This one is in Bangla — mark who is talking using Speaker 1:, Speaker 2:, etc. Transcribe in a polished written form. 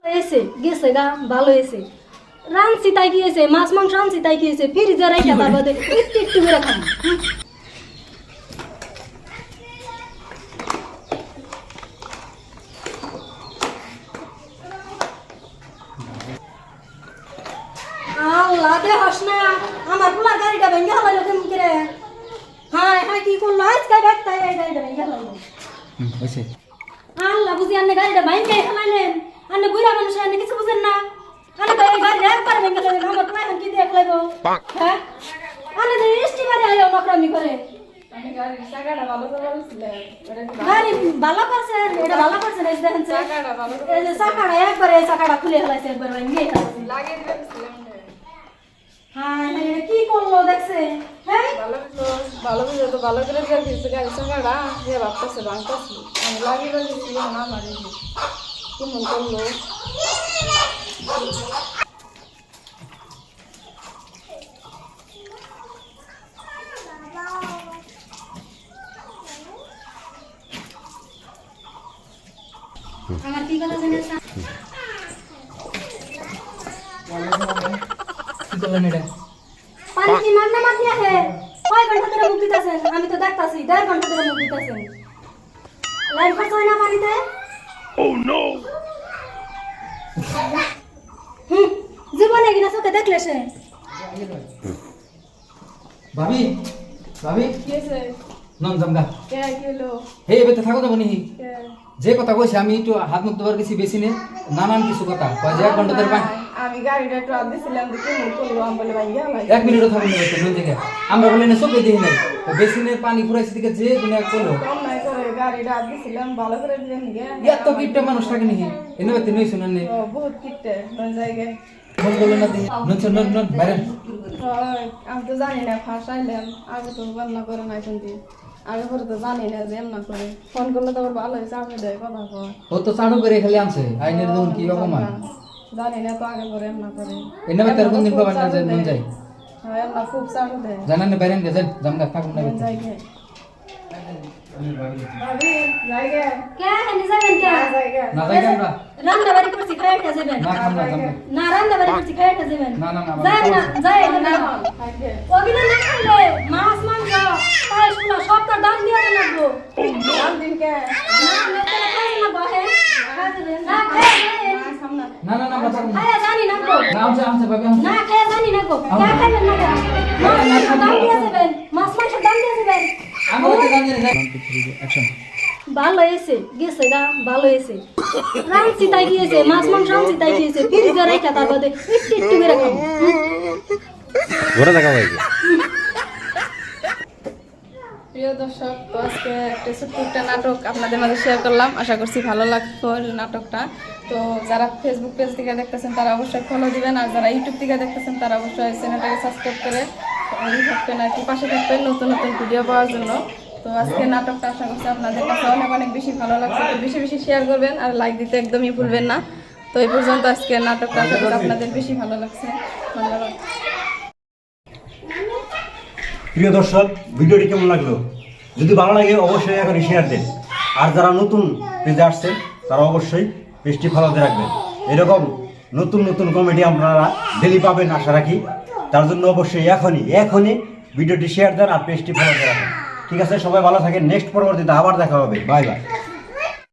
Speaker 1: এসে গেছে গা ভালো হয়েছে রানছি তাই কি হয়েছে মাছ মাংস রানছি তাই কি হয়েছে ফ্রিজে রেখে তার বাদে একটু একটু করে খাম আল্লাহ দে হাস না আমার পুলার গাড়িটা ভেঙে হলাইলো কেমন করে হ্যাঁ হ্যাঁ কি করলো আজকে দেখতে এই গাড়িটা ভেঙে হলাইলো
Speaker 2: হয়েছে
Speaker 1: আল্লাহ বুঝি আন্নে গাড়িটা ভেঙে হলাইলেন আন্নে বুড়া মানুষ আন্নে কিছু বুঝেন না আন্নে তো এই গাড়ি একবার ভেঙে হলাইলেন আমার পুলা এখন কি দিয়ে ফেলাইবো হ্যাঁ আন্নে তো ইষ্টি বাড়ি আইও নকরামি করে
Speaker 3: আমি গাড়ি চাকাটা ভালো করে বলছিলাম
Speaker 1: গাড়ি ভালো করছে এটা ভালো করছে না দেখেন
Speaker 3: চাকাটা ভালো করে
Speaker 1: এই যে চাকাটা একবারে এই চাকাটা খুলে ফেলাইছে একবার ভেঙে ফেলাইছে
Speaker 3: লাগিয়ে দিয়েছিলাম
Speaker 1: হ্যাঁ এটা কি করলো দেখছে হ্যাঁ
Speaker 3: ভালো করে তো ভালো করে বের দিয়েছে গাড়ি চাকাটা যে ভাবতেছে ভাঙতেছে আমি লাগিয়ে দিয়েছিলাম না মারি কেমন করলো
Speaker 1: আমার কি কথা জানেন
Speaker 2: কি করলেন এটা
Speaker 1: পানি কি মাগনা মাগনি আছে কয় ঘন্টা ধরে মুখ দিতেছেন আমি তো দেখতাছি 1.5 ঘন্টা ধরে মুখ দিতেছেন লাইন খরচ হয় না পানিতে জীবনে কিনা চোখে দেখলে সে
Speaker 2: ভাবি ভাবি
Speaker 3: কি হয়েছে
Speaker 2: নন জামগা
Speaker 3: কে কিলো
Speaker 2: হে এবে থাকো তো বনি
Speaker 3: কে
Speaker 2: যে কথা কইছে আমি একটু হাত মুখ ধোয়ার কিছু বেশি নে নানান কিছু কথা কয় যে 1 ঘন্টা ধরে পানি
Speaker 3: আমি গাড়িটা একটু আদ দিছিলাম যে কেমন করলো আমি বলে ভাই গেল
Speaker 2: 1 মিনিটও থাকুন না কোন জায়গা আমরা বলি না চোখে দেখি নাই বেসিনের পানি ফুরাইছে দিকে যে দুনিয়া করলো
Speaker 3: কম নাই করে গাড়িটা আদ দিছিলাম ভালো করে দিলেন গে
Speaker 2: এত কিপটা মানুষ থাকে নাকি এনে বাতে নই শুনেন নে
Speaker 3: ও বহুত কিটে কোন জায়গায়
Speaker 2: ফোন করলেন না দেখি নন নন বাইরে
Speaker 3: আমি তো জানি না ফাঁসাইলাম আগে তো রান্না করে নাই শুনছি আগে পরে তো জানি না যে এমনা করে ফোন করলে তো আবার ভালো চাপে দেয় কথা কয়
Speaker 2: ও তো চাড়ু করে খালি আনছে আইনের দুন কি অপমান
Speaker 3: জানি না তো আগে পরে এমনা করে
Speaker 2: এনে বাতে কোন দিন কবার না যায় মন যায়
Speaker 3: হ্যাঁ এমনা খুব চাপে দেয়
Speaker 2: জানেন না বাইরে গেছেন জামগা থাকুন না
Speaker 3: মন যায় গে ভাবি যাই গে
Speaker 1: কে হেনি যাবেন কে
Speaker 3: যাই গে
Speaker 2: না যাই আমরা
Speaker 1: রান্না বাড়ি করছি খাই একটা যাবেন
Speaker 2: না খাম না জামগা
Speaker 1: না রান্না বাড়ি করছি খাই একটা যাবেন
Speaker 2: না না না
Speaker 1: যাই না যাই না
Speaker 3: খাইতে
Speaker 1: ওগিনা না খাইলে মাছ মাংস পায়েস পোলা সব তার দাম দিয়ে দেন লাগবো
Speaker 3: দাম দিন কে
Speaker 1: না মেতে খাই না বাহে না খাই
Speaker 3: সামনে
Speaker 2: না না না আমরা থাকুন না
Speaker 1: খাই জানি না গো
Speaker 2: না আমছে ভাবি আমছে
Speaker 1: না খাই জানি না গো কে খাইবেন না মাছ মাংস দাম দিয়ে দেবেন মাছ মাংস দাম দিয়ে দেবেন
Speaker 2: আমি তো জানি না অ্যাকশন
Speaker 1: ভালো হয়েছে গেছে গা ভালো হয়েছে রানছি তাই কি হয়েছে মাছ মাংস রানছি তাই কি হয়েছে ফ্রিজে রেখে তার বাদে একটু একটু করে খাবো
Speaker 4: ঘোরা দেখা হয়েছে
Speaker 3: প্রিয় দর্শক তো আজকে একটা ছোট্ট একটা নাটক আপনাদের মাঝে শেয়ার করলাম আশা করছি ভালো লাগতো নাটকটা তো যারা ফেসবুক পেজ থেকে দেখতেছেন তারা অবশ্যই ফলো দিবেন আর যারা ইউটিউব থেকে দেখতেছেন তারা অবশ্যই চ্যানেলটাকে সাবস্ক্রাইব করে থাকবেন আর কি পাশে থাকবেন নতুন নতুন ভিডিও পাওয়ার জন্য তো আজকে নাটকটা আশা করছি আপনাদের কাছে অনেক অনেক বেশি ভালো লাগছে তো বেশি বেশি শেয়ার করবেন আর লাইক দিতে একদমই ভুলবেন না তো এই পর্যন্ত আজকে নাটকটা আশা করি আপনাদের বেশি ভালো লাগছে ধন্যবাদ
Speaker 5: প্রিয় দর্শক ভিডিওটি কেমন লাগলো যদি ভালো লাগে অবশ্যই এখন শেয়ার দেন আর যারা নতুন পেজে আসছেন তারা অবশ্যই পেজটি ফলো দিয়ে রাখবেন এরকম নতুন নতুন কমেডি আপনারা ডেলি পাবেন আশা রাখি তার জন্য অবশ্যই এখনই ভিডিওটি শেয়ার দেন আর পেজটি ফলো দিয়ে রাখেন ঠিক আছে সবাই ভালো থাকেন নেক্সট পরবর্তীতে আবার দেখা হবে বাই বাই